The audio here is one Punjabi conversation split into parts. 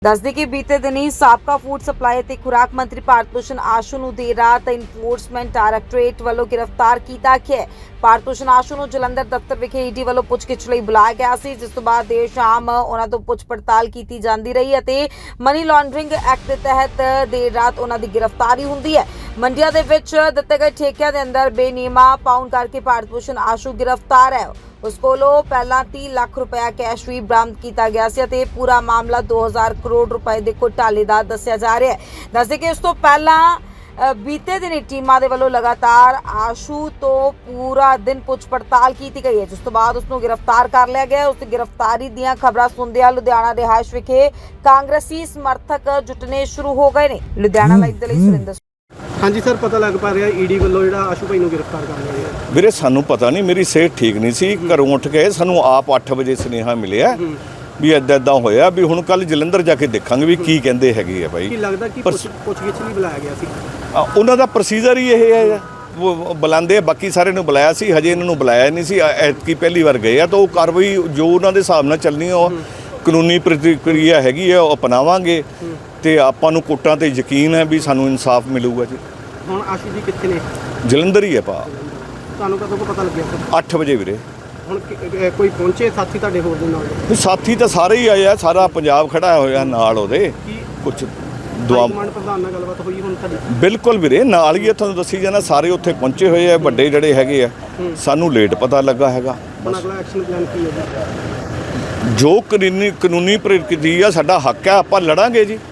ਦੱਸਦੇ ਕਿ ਬੀਤੇ ਦਿਨੀ ਸਾਬਕਾ ਫੂਡ ਸਪਲਾਈ ਅਤੇ ਖੁਰਾਕ ਮੰਤਰੀ ਭਾਰਤ ਭੂਸ਼ਣ ਆਸ਼ੂ ਨੂੰ ਦੇਰ ਰਾਤ ਇਨਫੋਰਸਮੈਂਟ ਡਾਇਰੈਕਟੋਰੇਟ ਵੱਲੋਂ ਗ੍ਰਿਫਤਾਰ ਕੀਤਾ ਗਿਆ ਹੈ। ਭਾਰਤ ਭੂਸ਼ਣ ਆਸ਼ੂ ਨੂੰ ਜਲੰਧਰ ਦਫ਼ਤਰ ਵਿਖੇ ਈਡੀ ਵੱਲੋਂ ਪੁੱਛਗਿੱਛ ਲਈ ਬੁਲਾਇਆ ਗਿਆ ਸੀ, ਜਿਸ ਤੋਂ ਬਾਅਦ ਦੇਰ ਸ਼ਾਮ ਉਹਨਾਂ ਤੋਂ ਪੁੱਛ ਪੜਤਾਲ ਕੀਤੀ ਜਾਂਦੀ ਰਹੀ ਅਤੇ ਮਨੀ ਲਾਂਡਰਿੰਗ ਐਕਟ ਦੇ ਤਹਿਤ ਦੇਰ ਰਾਤ ਉਹਨਾਂ ਦੀ ਗ੍ਰਿਫਤਾਰੀ ਹੁੰਦੀ ਹੈ। ਮੰਡੀਆਂ ਦੇ ਵਿੱਚ ਦਿੱਤੇ ਗਏ ਠੇਕਿਆਂ ਦੇ ਅੰਦਰ ਬੇਨੀਯਮਾ ਪਾਉਣ ਕਰਕੇ ਭਾਰਤ ਭੂਸ਼ਣ ਆਸ਼ੂ ਗ੍ਰਿਫਤਾਰ ਹੈ। ਉਸ ਕੋਲੋਂ ਪਹਿਲਾਂ 30 ਲੱਖ ਰੁਪਇਆ ਕੈਸ਼ ਵੀ ਬਰਾਮਦ ਕੀਤਾ ਗਿਆ ਸੀ ਅਤੇ ਪੂਰਾ ਮਾਮਲਾ 2000 ਕਰੋੜ ਰੁਪਏ ਦੇ ਘੁਟਾਲੇ ਦਾ ਦੱਸਿਆ ਜਾ ਰਿਹਾ ਹੈ। ਦੱਸਦੇ ਕਿ ਇਸ ਤੋਂ ਪਹਿਲਾਂ ਬੀਤੇ ਦਿਨ ਟੀਮਾਂ ਦੇ ਵੱਲੋਂ ਲਗਾਤਾਰ ਆਸ਼ੂ ਤੋਂ ਪੂਰਾ ਦਿਨ ਪੁੱਛ ਪੜਤਾਲ ਕੀਤੀ ਗਈ ਹੈ, ਜਿਸ ਤੋਂ ਬਾਅਦ ਉਸ ਨੂੰ ਗ੍ਰਿਫਤਾਰ ਕਰ ਲਿਆ ਗਿਆ। ਉਸ ਦੀ ਗ੍ਰਿਫਤਾਰੀ ਦੀਆਂ ਖਬਰਾਂ ਸੁਣਦਿਆਂ ਲੁਧਿਆਣਾ ਰਿਹਾਇਸ਼ ਵਿਖੇ ਕਾਂਗਰਸੀ ਸਮਰਥਕ ਜੁਟਨੇ ਸ਼ੁਰੂ ਹੋ ਗਏ ਨੇ। ਲੁਧਿਆਣਾ ਲਾਈਵ ਦੇ ਲਈ ਸੁਰਿੰਦਰ। ਹਾਂਜੀ ਸਰ, ਪਤਾ ਲੱਗ ਪਾ ਰਿਹਾ ਈਡੀ ਵੱਲੋਂ ਜਿਹੜਾ ਆਸ਼ੂ ਭਾਈ ਨੂੰ ਗ੍ਰਿਫਤਾਰ ਕਰ ਲਿਆ ਗਿਆ। ਵੀਰੇ ਸਾਨੂੰ ਪਤਾ ਨਹੀਂ, ਮੇਰੀ ਸਿਹਤ ਠੀਕ ਨਹੀਂ ਸੀ, ਘਰੋਂ ਉੱਠ ਕੇ ਸਾਨੂੰ ਆਪ 8 ਵਜੇ ਸੁਨੇਹਾ ਮਿਲਿਆ ਵੀ ਇੱਦਾਂ ਹੋਇਆ ਵੀ ਹੁਣ ਕੱਲ ਜਲੰਧਰ ਜਾ ਕੇ ਦੇਖਾਂਗੇ ਵੀ ਕੀ ਕਹਿੰਦੇ ਹੈਗੇ ਆ ਬਾਈ। ਕੀ ਲੱਗਦਾ ਕਿ ਪੁੱਛਗਿੱਛ ਲਈ ਬੁਲਾਇਆ ਗਿਆ ਸੀ? ਉਹਨਾਂ ਦਾ ਪ੍ਰੋਸੀਜਰ ਹੀ ਇਹ ਹੈ, ਉਹ ਬੁਲਾਉਂਦੇ ਬਾਕੀ ਸਾਰੇ ਨੂੰ ਬੁਲਾਇਆ ਸੀ, ਹਜੇ ਇਹਨਾਂ ਨੂੰ ਬੁਲਾਇਆ ਨਹੀਂ ਸੀ। ਐਤਕੀ ਪਹਿਲੀ ਵਾਰ ਗਏ ਆ ਤਾਂ ਉਹ ਕਾਰਵਾਈ ਜੋ ਉਹਨਾਂ ਦੇ ਹਿਸਾਬ ਨਾਲ ਚੱਲਣੀ ਉਹ ਕਾਨੂੰਨੀ ਪ੍ਰਕਿਰਿਆ ਹੈਗੀ ਆ ਉਹ ਅਪਣਾਵਾਂਗੇ ਤੇ ਆਪਾਂ ਨੂੰ ਕੋਰਟਾਂ ਤੇ ਯਕੀਨ ਹੈ ਵੀ ਸਾਨੂੰ ਇਨਸਾਫ ਮਿਲੂਗਾ ਜੀ। ਹੁਣ ਆਸ਼ੂ ਜੀ ਕਿੱਥੇ ਨੇ? ਜਲੰਧਰ ਹੀ ਹੈ ਪਾ। ਤੁਹਾਨੂੰ ਕਦੋਂ ਪਤਾ ਲੱਗਿਆ ਸਰ? 8 ਵਜੇ ਵੀਰੇ। ਹੁਣ ਕੋਈ ਪਹੁੰਚੇ ਸਾਥੀ ਤੁਹਾਡੇ ਹੋਰ ਦੇ ਨਾਲ? ਸਾਥੀ ਤਾਂ ਸਾਰੇ ਹੀ ਆਏ ਆ, ਸਾਰਾ ਪੰਜਾਬ ਖੜਾ ਹੋਇਆ ਨਾਲ ਉਹਦੇ। ਕੁਝ ਦੁਆ ਪ੍ਰਧਾਨ ਨਾਲ ਗੱਲਬਾਤ ਹੋਈ ਹੁਣ ਤੁਹਾਡੀ? ਬਿਲਕੁਲ ਵੀਰੇ, ਨਾਲ ਹੀ ਤੁਹਾਨੂੰ ਦੱਸੀ ਜਾਣਾ, ਸਾਰੇ ਉੱਥੇ ਪਹੁੰਚੇ ਹੋਏ ਆ, ਵੱਡੇ ਜਿਹੜੇ ਹੈਗੇ ਆ। ਸਾਨੂੰ ਲੇਟ ਪਤਾ ਲੱਗਾ ਹੈਗਾ। ਹੁਣ ਅਗਲਾ ਐਕਸ਼ਨ ਪਲਾਨ ਕੀ ਹੈ? ਜੋ ਕਾਨੂੰਨੀ ਪ੍ਰਕਿਰਿਆ ਸਾਡਾ ਹੱਕ ਹੈ, ਆਪਾਂ ਲੜਾਂਗੇ ਜੀ।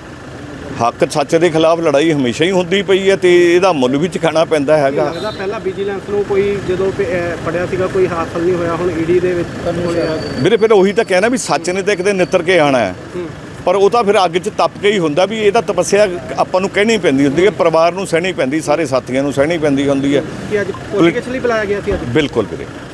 ਹੱਕ ਸੱਚ ਦੇ ਖਿਲਾਫ ਲੜਾਈ ਹਮੇਸ਼ਾ ਹੀ ਹੁੰਦੀ ਪਈ ਹੈ ਤੇ ਇਹਦਾ ਮੁੱਲ ਵੀ ਚੁਕਾਉਣਾ ਪੈਂਦਾ ਹੈਗਾ। ਲੱਗਦਾ ਪਹਿਲਾਂ ਵਿਜੀਲੈਂਸ ਨੂੰ ਕੋਈ ਜਦੋਂ ਫੜਿਆ ਸੀਗਾ ਕੋਈ ਹਾਸਲ ਨਹੀਂ ਹੋਇਆ, ਹੁਣ ਈਡੀ ਦੇ ਵਿੱਚ ਵੀਰੇ ਫਿਰ ਉਹੀ ਤਾਂ ਕਹਿਣਾ ਵੀ ਸੱਚ ਨੇ ਤਾਂ ਇੱਕ ਦਿਨ ਨਿੱਤਰ ਕੇ ਆਉਣਾ ਹੈ, ਪਰ ਉਹ ਤਾਂ ਫਿਰ ਅੱਗ 'ਚ ਤਪ ਕੇ ਹੀ ਹੁੰਦਾ ਵੀ ਇਹਦਾ ਤਪੱਸਿਆ ਆਪਾਂ ਨੂੰ ਕਹਿਣੀ ਪੈਂਦੀ ਹੁੰਦੀ ਹੈ, ਪਰਿਵਾਰ ਨੂੰ ਸਹਿਣੀ ਪੈਂਦੀ, ਸਾਰੇ ਸਾਥੀਆਂ ਨੂੰ ਸਹਿਣੀ ਪੈਂਦੀ ਹੁੰਦੀ ਹੈ। ਕਿ ਅੱਜ ਪੁੱਛਗਿੱਛ ਲਈ ਬੁਲਾਇਆ ਗਿਆ ਸੀ ਅੱਜ? ਬਿਲਕੁਲ ਵੀਰੇ।